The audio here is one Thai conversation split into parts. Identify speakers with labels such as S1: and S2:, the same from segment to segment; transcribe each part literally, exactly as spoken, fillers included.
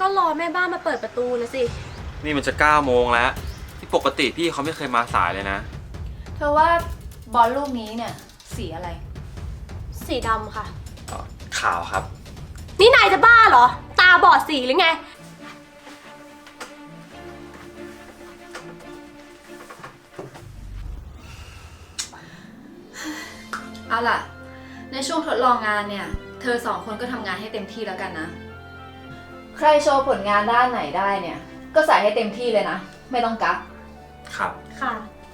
S1: ก็รอแม่บ้านมาเปิดประตูนะสิ
S2: นี่มันจะเก้าโมงแล้วที่ปกติพี่เขาไม่เคยมาสายเลยนะ
S3: เธอว่าบอลลูกนี้เนี่ยสีอะไร
S1: สีดำค่ะ
S2: ขาวครับ
S1: นี่นายจะบ้าเหรอตาบอดสีหรือไง
S3: เอาล่ะในช่วงทดลองงานเนี่ยเธอสองคนก็ทำงานให้เต็มที่แล้วกันนะใครโชว์ผลงานด้านไหนได้เนี่ยก็ใส่ให้เต็มที่เลยนะไม่ต้องกัก
S2: ครับ
S1: ค่ะ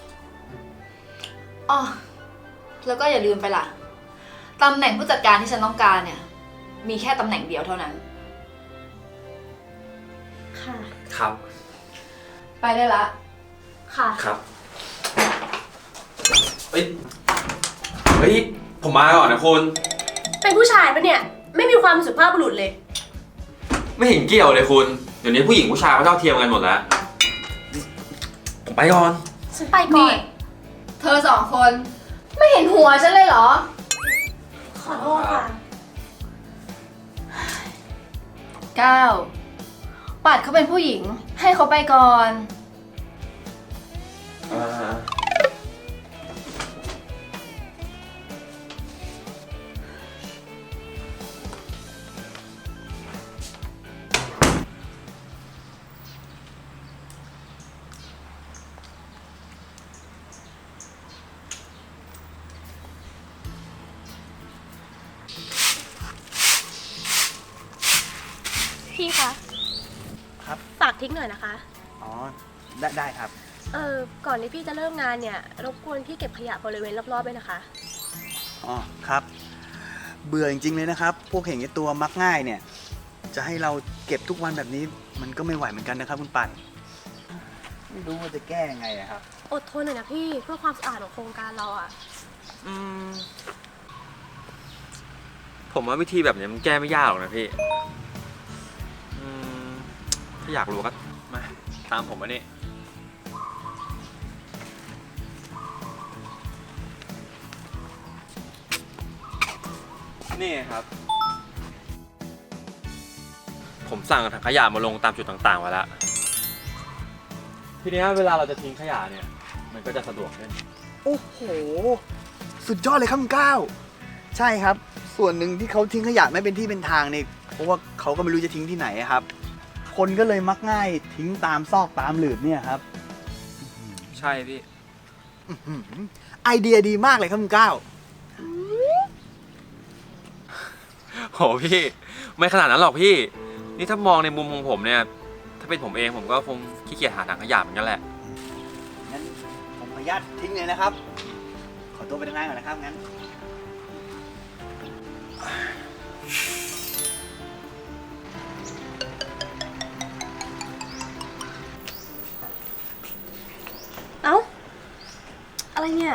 S3: อ๋อแล้วก็อย่าลืมไปล่ะตำแหน่งผู้จัดการที่ฉันต้องการเนี่ยมีแค่ตำแหน่งเดียวเท่านั้น
S1: ค่ะ
S2: ครับ
S3: ไปได้ละ
S1: ค่ะ
S2: ครับเฮ้ยเฮ้ยผมมาก่อนนะคุณ
S1: เป็นผู้ชายปะเนี่ยไม่มีความสุภาพบุรุษเลย
S2: ไม่เห็นเกี่ยวเลยคุณเดี๋ยวนี้ผู้หญิงผู้ชายเขาเท่าเทียมกันหมดแล้วผมไปก่อน
S1: ฉันไปก่อน
S3: เธอสองคนไม่เห็นหัวฉันเลยเหรอ
S1: ขอโทษค่ะ
S3: ก้าวปัดเขาเป็นผู้หญิงให้เขาไปก่อน
S2: อ่า
S1: พี่คะ
S4: ครับ
S1: ฝากทิ้งหน่อยนะคะ
S4: อ๋อได้ได้ครับ
S1: เออก่อนที่พี่จะเริ่มงานเนี่ยรบกวนพี่เก็บขยะบริเวณรอบๆด้วยนะคะ
S4: อ๋อครับเบื่อจริงๆเลยนะครับพวกเห็นไอ้ตัวมักง่ายเนี่ยจะให้เราเก็บทุกวันแบบนี้มันก็ไม่ไหวเหมือนกันนะครับคุณปั่นไม่รู้ว่าจะแก้ยังไงอะครับ
S1: อดทนหน่อยนะพี่เพื่อความสะอาดของโครงการเราอะ
S2: อืมผมว่าวิธีแบบนี้มันแก้ไม่ยากหรอกนะพี่ถ้าอยากรู้ก็มาตามผมมานี่นี่ครับผมสั่งถังขยะมาลงตามจุดต่างๆไว้แล้วทีนี้เวลาเราจะทิ้งขยะเนี่ยมันก็จะสะดวกขึ้น
S4: โอ้โหสุดยอดเลยครับคุณก้าวใช่ครับส่วนหนึ่งที่เขาทิ้งขยะไม่เป็นที่เป็นทางเนี่ยเพราะว่าเขาก็ไม่รู้จะทิ้งที่ไหนครับคนก็เลยมักง่ายทิ้งตามซอกตามหลืบเนี่ยครับ
S2: ใช่พี่
S4: ไอเดียดีมากเลยครับคุณก้าว
S2: โหพี่ไม่ขนาดนั้นหรอกพี่นี่ถ้ามองในมุมของผมเนี่ยถ้าเป็นผมเองผมก็คงขี้เกียจหาถังขยะเหมือนกันแหละ
S4: งั้นผมขออนุญาตทิ้งเลยนะครับขอตัวไปทำงานก่อนนะครับงั้น
S1: เอ้าอะไรเนี่ย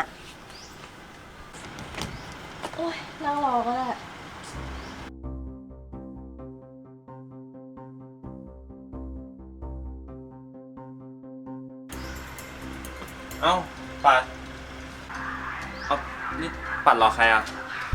S1: โอ้ยนั่งรอก็ได้
S2: เอ้าปัดเอ้านี่ปัดรอใครอ่ะ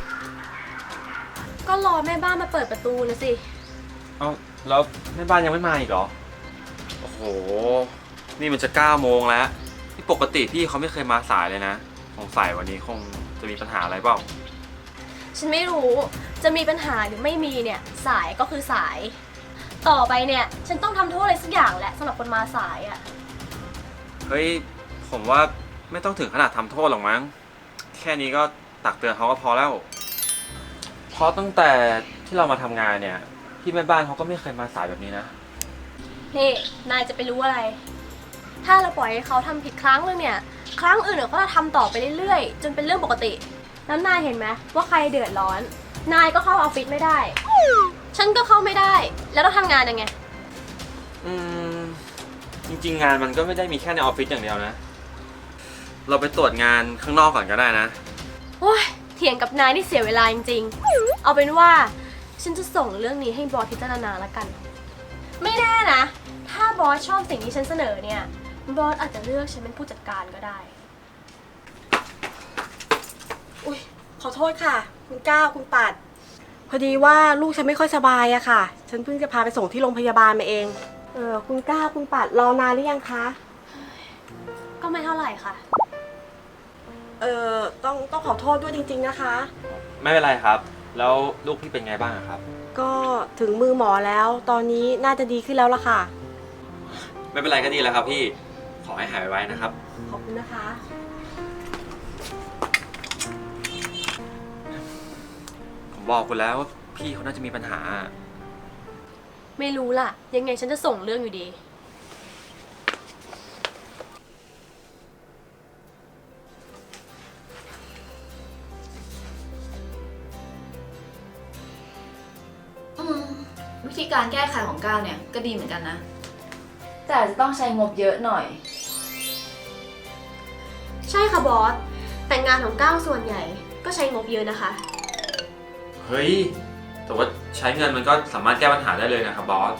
S1: ก็รอแม่บ้านมาเปิดประตูนะสิ
S2: เอ้าแล้วแม่บ้านยังไม่มาอีกเหรอโอ้โหนี่มันจะเก้าโมงแล้วที่ปกติพี่เขาไม่เคยมาสายเลยนะสงสัยวันนี้คงจะมีปัญหาอะไรเปล่า
S1: ฉันไม่รู้จะมีปัญหาหรือไม่มีเนี่ยสายก็คือสายต่อไปเนี่ยฉันต้องทำโทษอะไรสักอย่างแหละสำหรับคนมาสายอ่ะ
S2: เฮ้ยผมว่าไม่ต้องถึงขนาดทำโทษหรอกมั้งแค่นี้ก็ตักเตือนเขาก็พอแล้วเพราะตั้งแต่ที่เรามาทำงานเนี่ยพี่แม่บ้านเขาก็ไม่เคยมาสายแบบนี้นะ
S1: นี่นายจะไปรู้อะไรถ้าเราปล่อยให้เขาทำผิดครั้งนึงเนี่ยครั้งอื่นเขาจะทำต่อไปเรื่อยๆจนเป็นเรื่องปกติแล้วนายเห็นไหมว่าใครเดือดร้อนนายก็เข้าออฟฟิศไม่ได้ฉันก็เข้าไม่ได้แล้วเราทำงานยังไง
S2: อืมจริงๆงานมันก็ไม่ได้มีแค่ในออฟฟิศอย่างเดียวนะเราไปตรวจงานข้างนอกก่อนก็ได้นะ
S1: โอ้ยเถียงกับนายนี่เสียเวลาจริงๆเอาเป็นว่าฉันจะส่งเรื่องนี้ให้บอสพิจารณาละกันไม่แน่นะถ้าบอสชอบสิ่งที่ฉันเสนอเนี่ยบอสอาจจะเลือกฉันเป็นผู้จัดการก็ได้อุ๊ยขอโทษค่ะคุณก้าวคุณปัด
S5: พอดีว่าลูกฉันไม่ค่อยสบายอะค่ะ ฉันเพิ่งจะพาไปส่งที่โรงพยาบาลมาเอง เออคุณก้าวคุณปัดรอนานหรือยังคะ
S1: ก็ไม่เท่าไหร่ค่ะ
S5: เออต้องต้องขอโทษด้วยจริงๆนะคะ
S2: ไม่เป็นไรครับ แล้วลูกพี่เป็นไงบ้างอะครับ
S5: ก็ถึงมือหมอแล้ว ตอนนี้น่าจะดีขึ้นแล้วล่ะค่ะ
S2: ไม่เป็นไรก็ดีแล้วครับพี่ ขอให้หายไวๆนะครับ
S5: ขอบคุณนะคะ
S2: ผมบอกคุณแล้วว่าพี่เขาน่าจะมีปัญหา
S1: ไม่รู้ล่ะ ยังไงฉันจะส่งเรื่องอยู่ดี
S3: อืมวิธีการแก้ไขของก้าวเนี่ยก็ดีเหมือนกันนะ แต่อาจจะต้องใช้งบเยอะหน่อย
S1: ใช่ค่ะบอส แต่งานของก้าวส่วนใหญ่ ก็ใช้งบเยอะนะคะ
S2: เฮ้ย แต่ว่าใช้เงินมันก็สามารถแก้ปัญหาได้เลยนะครับบอส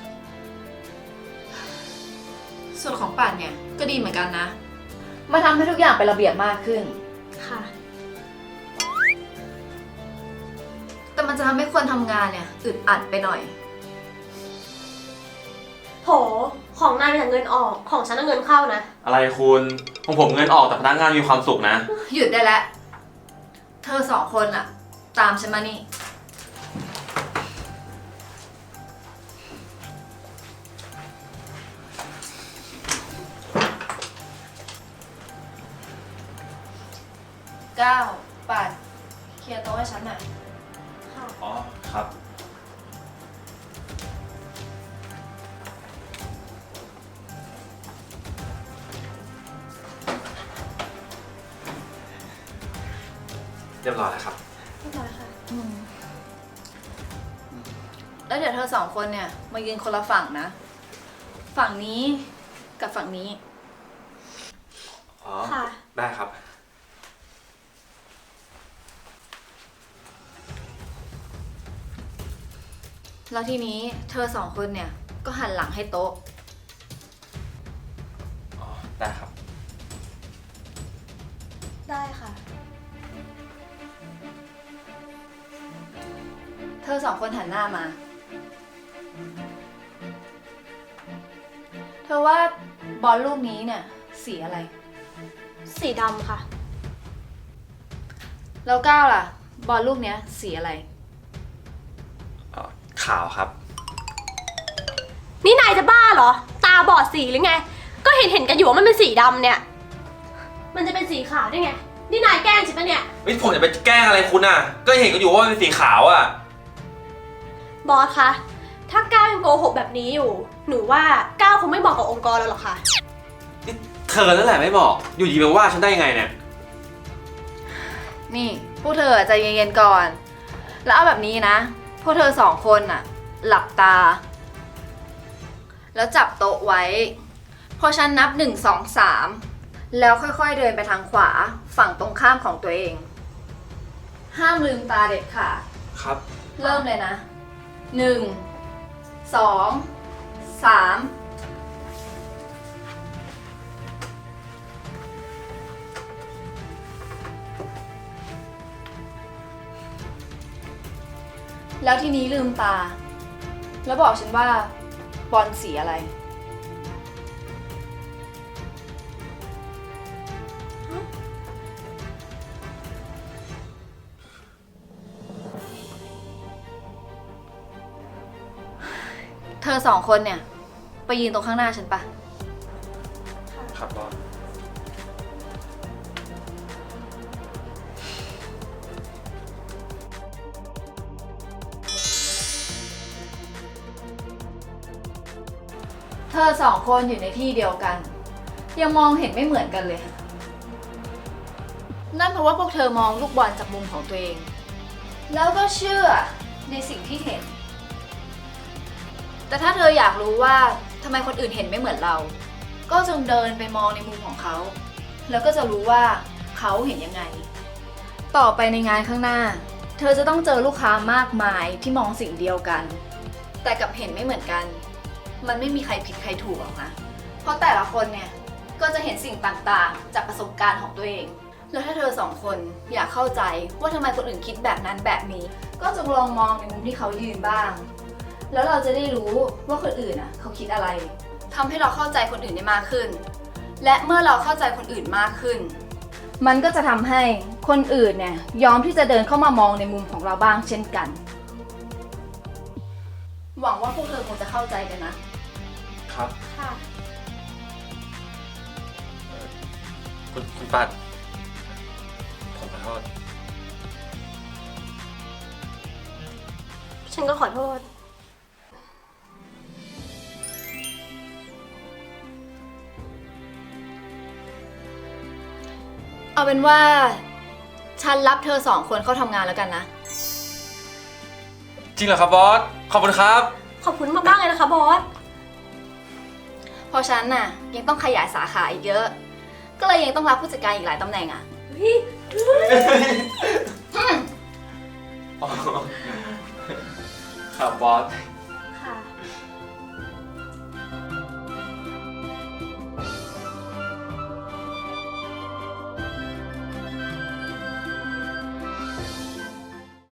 S3: ส่วนของป่านเนี่ยก็ดีเหมือนกันนะ มาทำให้ทุกอย่างเป็นระเบียบมากขึ้น
S1: ค่ะ
S3: แต่มันจะทำให้คนทำงานเนี่ยอึดอัดไปหน่อย
S1: โห ของนายเป็นแต่เงินออก ของฉันน่ะเงินเข้านะ
S2: อะไรคุณของผมเงินออกแต่พนักงานมีความสุขนะ
S3: หยุดได้แล้ว เธอสองคนอะตามฉันมานี่ เก้าปัดเคลียร์โต๊ะให้ฉันหน่อย
S2: อ๋อ ครับ เรียบร้อยแล้วครับ
S1: เรียบร้อยค่ะ
S3: อืมแล้วเดี๋ยวเธอสองคนเนี่ยมายืนคนละฝั่งนะ ฝั่งนี้กับฝั่งนี้
S2: อ๋อ
S1: ค่ะ
S2: ได้ครับ
S3: แล้วทีนี้เธอสองคนเนี่ยก็หันหลังให้โต๊ะ
S2: อ๋อ ได้ครับ
S1: ได้ค่ะ
S3: เธอสองคนหันหน้ามา เธอว่าบอลลูกนี้เนี่ยสีอะไร
S1: สีดำค่ะ
S3: แล้วก้าวล่ะ บอลลูกเนี้ยสีอะไร
S2: อ๋อ ขาวครับ
S1: นี่นายจะบ้าเหรอ ตาบอดสีหรือไง ก็เห็นเห็นกันอยู่ว่ามันเป็นสีดำเนี่ย มันจะเป็นสีขาวได้ไง นี่นายแกล้งฉันปะเนี่ย
S2: ไม่ผมจะไปแกล้งอะไรคุณอ่ะ ก็เห็นกันอยู่ว่ามันเป็นสีขาวอ่ะ
S1: บอสคะ ถ้าก้าวยังโกหกแบบนี้อยู่ หนูว่าก้าวคงไม่เหมาะกับองค์กรเราหรอกค่ะ
S2: นี่เธอนั่นแหละไม่บอก อยู่ดีมาว่าฉันได้ยังไงเนี่ย
S3: นี่พวกเธอใจเย็นๆก่อน แล้วเอาแบบนี้นะ พวกเธอสองคนน่ะ หลับตา แล้วจับโต๊ะไว้ พอฉันนับหนึ่งสองสามแล้วค่อยๆเดินไปทางขวาฝั่งตรงข้ามของตัวเอง ห้ามลืมตาเด็ดขาด
S2: ครับ
S3: เริ่มเลยนะหนึ่งสองสามแล้วทีนี้ลืมตา แล้วบอกฉันว่าบอลสีอะไร เธอสองคนเนี่ย ไปยืนตรงข้างหน้าฉันปะ
S2: ครับบอส
S3: เธอสองคนอยู่ในที่เดียวกัน ยังมองเห็นไม่เหมือนกันเลย นั่นเพราะว่าพวกเธอมองลูกบอลจากมุมของตัวเอง แล้วก็เชื่อในสิ่งที่เห็น แต่ถ้าเธออยากรู้ว่าทำไมคนอื่นเห็นไม่เหมือนเรา ก็จงเดินไปมองในมุมของเขา แล้วก็จะรู้ว่าเขาเห็นยังไง ต่อไปในงานข้างหน้า เธอจะต้องเจอลูกค้ามากมายที่มองสิ่งเดียวกัน แต่กลับเห็นไม่เหมือนกัน มันไม่มีใครผิดใครถูกหรอกนะ เพราะแต่ละคนเนี่ยก็จะเห็นสิ่งต่างๆ จากประสบการณ์ของตัวเองแล้วถ้าเธอสองคนอยากเข้าใจว่าทำไมคนอื่นคิดแบบนั้นแบบนี้ ก็จงลองมองในมุมที่เขายืนบ้าง แล้วเราจะได้รู้ว่าคนอื่นอ่ะเขาคิดอะไรทำให้เราเข้าใจคนอื่นได้มากขึ้น และเมื่อเราเข้าใจคนอื่นมากขึ้น มันก็จะทำให้คนอื่นเนี่ยยอมที่จะเดินเข้ามามองในมุมของเราบ้างเช่นกัน หวังว่าพวกเธอคงจะเข้าใจกันนะ
S2: ครับ
S1: ค่ะ
S2: คุณคุณปัด ผมขอโทษ
S1: ฉันก็ขอโทษ
S3: เอาเป็นว่าฉันรับเธอสองคนเข้าทำงานแล้วกันนะ
S2: จริงเหรอครับบอส ขอบคุณครับ
S1: ขอบคุณมากๆเลยนะคะบอส
S3: เพราะฉันน่ะยังต้องขยายสาขาอีกเยอะ ก็เลยยังต้องรับผู้จัดการอีกหลายตำแหน่งอ่ะ
S2: ครับบอส